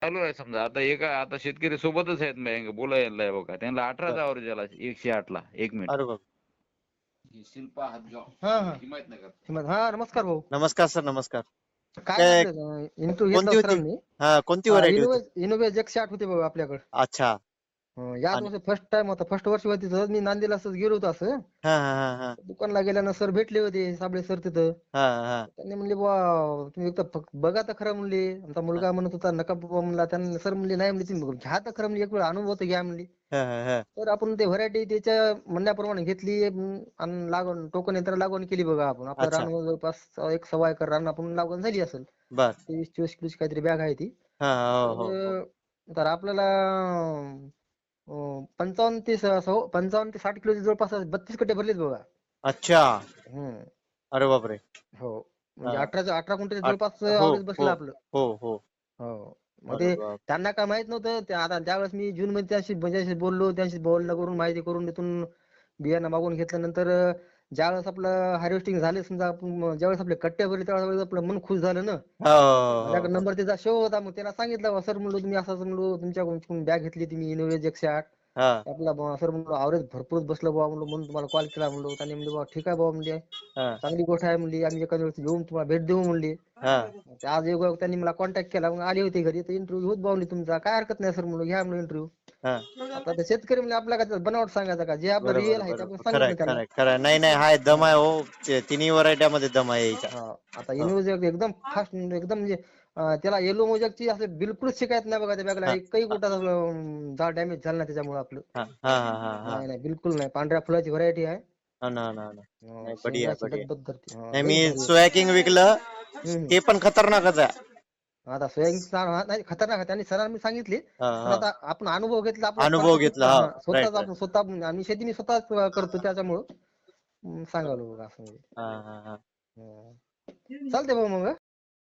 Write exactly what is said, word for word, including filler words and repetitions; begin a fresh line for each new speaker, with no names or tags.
चालू आहे समजा. आता एका आता शेतकरी सोबतच आहेत मग बोलायला बघा, त्यांना
बर.
अठराचा आवर्ज आला एकशे आठ ला. एक मिनिट.
अरे बाप.
शिल्पा हातगाव,
हा हा
हिमायतनगर.
हिम्मत. हा नमस्कार भाऊ.
नमस्कार सर, नमस्कार.
काय
काय
आपलं इंटू घेतला
कोणती होती?
सरांनी.
हा, कोणती व्हरायटी होती?
इनोवेज इनोवेज एकशे आठ होते बघा आपल्याकडे.
अच्छा.
याच
आणि
वर्षी फर्स्ट टाइम होता, फर्स्ट वर्षी होती. सहज मी नांदेडला असंच गेलो होतो असं.
हा हा हा हा
दुकानला गेल्यानं सर भेटले होते, साबळे सर तिथं.
हा हा
त्यांनी म्हणले बुवा तुम्ही एकदा फक्त बघा तर खरं म्हणले. आमचा मुलगा म्हणत होता नका बाबा म्हणला. त्यांनी सर म्हणले नाही म्हणले तुम्ही घ्या तर खरं म्हणले, एक वेळ अनुभव तर घ्या म्हणले.
हा हा
तर आपण ते व्हरायटी त्याच्या म्हणण्याप्रमाणे घेतली आणि लागवड टोकन यंत्र लागवड केली बघा आपण. आपलं
अच्छा.
रान जवळपास एक सव्वा एकर रान आपण लागवड झाली असेल.
बर.
तेवीस चोवीस किलोची काहीतरी बॅग आहे ती.
हा हो हो हो.
तर तर आपल्याला अं, पंचावन्न ते स- सव्वा- पंचावन्न ते साठ किलोचे जवळपास बत्तीस कट्टे भरलेत बघा.
अच्छा.
हम्म.
अरे बापरे.
हो. म्हणजे
हा.
अठराच्या अठरा क्विंटल
आठ-
जवळपास
हो
आवरेज
हो
बसलं आपलं.
हो हो.
हो. मग
अरे
ते
बाप.
त्यांना काय माहित नव्हतं. ते आता त्यावेळेस मी जून मध्ये त्यांशी म्हणजे बोललो, त्यांशी बोलणं करून माहिती करून तिथून बियाणं मागून घेतल्यानंतर ज्यावेळेस आपलं हार्वेस्टिंग झाले समजा, आपण ज्यावेळेस आपले कट्टे भरले त्यावेळेस आपलं मन खुश झालं ना.
हो हो
माझ्याकडे
हो.
नंबर त्याचा शो होता. मग त्याला सांगितलं सर म्हणलो तुम्ही असं म्हणलो तुमच्याकडून बॅग घेतली तुम्ही इनोवेज एकशे आठ.
हा
आपला सर म्हणलो आवरेज भरपूर बसलं बाबा म्हणलो, म्हणून तुम्हाला कॉल केला म्हणलो. त्यांनी म्हणले बाबा ठीक आहे बाबा म्हणले,
हा
चांगली गोष्ट आहे म्हणली, आम्ही एखाद्या वेळेस येऊन तुम्हाला भेट देऊ म्हणली.
हा
ते आज एक त्यांनी मला कॉन्टॅक्ट केला, मग आली होती घरी. तर इंटरव्ह्यू होत बावली तुमचा, काय हरकत नाही सर म्हणलो, घ्या म्हणलो इंटरव्ह्यू.
हा.
आता ते शेतकरी म्हणजे आपल्या काय बनावट सांगायचं का, जे आपलं
बरोबर
रिअल आहे ते आपण
बरोबर. खरंय
सांगितलं त्यांना.
खरंय खरंय. नाही नाही, हाय दम
हा.
आहे हो. ते तिन्ही व्हरायट्यामध्ये दम आहे याच्या.
हा. आता
हो.
इनोव्हेज एकदम फास्ट एकदम म्हणजे अं, त्याला येलो मोजॅकची असं बिलकुलच शिकायत नाही बघा त्या बॅगला.
हा
एकही कुठं झाड डॅमेज झालं नाही त्याच्यामुळे आपलं.
हा हा हा हा हा.
नाही नाही बिलकुल नाही. पांढऱ्या फुलाची व्हरायटी आहे.
हा ना हा ना हा ना.
अं,
नाही, बढिया
शेंगाची
बढिया.
लदबद धरती. हा,
नाही,
लई
मी
भारी आहे.
सोया किंग विकलं,
हम्म.
ते पण खतरनाकच आहे.
आता सोयाबीन नाही खतरनाक आहे. त्यांनी सरांनी सांगितले.
हा
पण
हा.
आता आपण अनुभव घेतला, आपला
अनुभव
स्वतःच
घेतला. हा.
स्वतःच
राईट राईट.
आपण स्वतः आम्ही शेती मी स्वतःच करतो त्याच्यामुळं सांगालो बघा असं म्हणजे.
हा हा हा.
हं. चालते भाऊ मग.